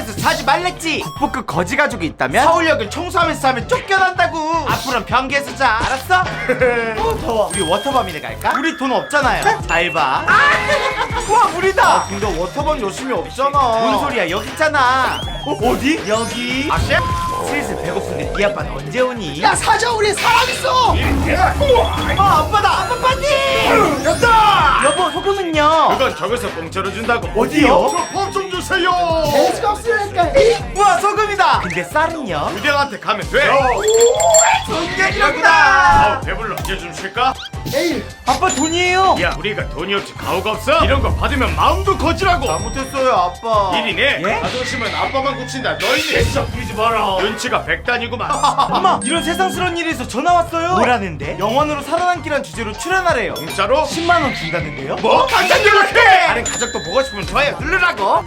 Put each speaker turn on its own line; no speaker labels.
서울역에서 자지 말랬지. 국보급 거지 가족이 있다면 서울역을 청소하면서 하면 쫓겨난다고. 앞으로는 변기에서 자. 알았어? 더워. 우리 워터밤이네 갈까? 우리 돈 없잖아요. 잘 봐. 와 물이다. 근데 워터밤 요즘에 없잖아. 뭔 소리야? 여기 있잖아. 어디? 여기. 아씨? 슬슬 배고픈데 네 아빠는 언제 오니?
야 사자, 우리 사람 있어.
아빠다. 아빠 빨리.
됐다.
여보 소금은요?
그건 저기서 공짜로 준다고.
어디요?
저법좀 주세요.
돼지가 없으니까.
우와 소금이다. 근데 쌀은요?
부대한테 가면 돼.
돈쟁이라구나.
아 배불러. 이제 좀 쉴까?
에이,
아빠 돈이에요.
야 우리가 돈이 없지 가오가 없어? 이런 거 받으면 마음도 거지라고.
잘못했어요 아빠.
일이네.
예?
자존심은 아빠만 고친다. 너희는 진짜 부리지 마라. 눈치가 백단이구만.
엄마 이런 세상스러운 일에서 전화 왔어요. 뭐라는데? 영원으로 살아남기란 주제로 출연하래요.
공짜로?
10만원 준다는데요?
뭐? 당장 연락해.
다른 가족도 보고 싶으면 좋아요 누르라고.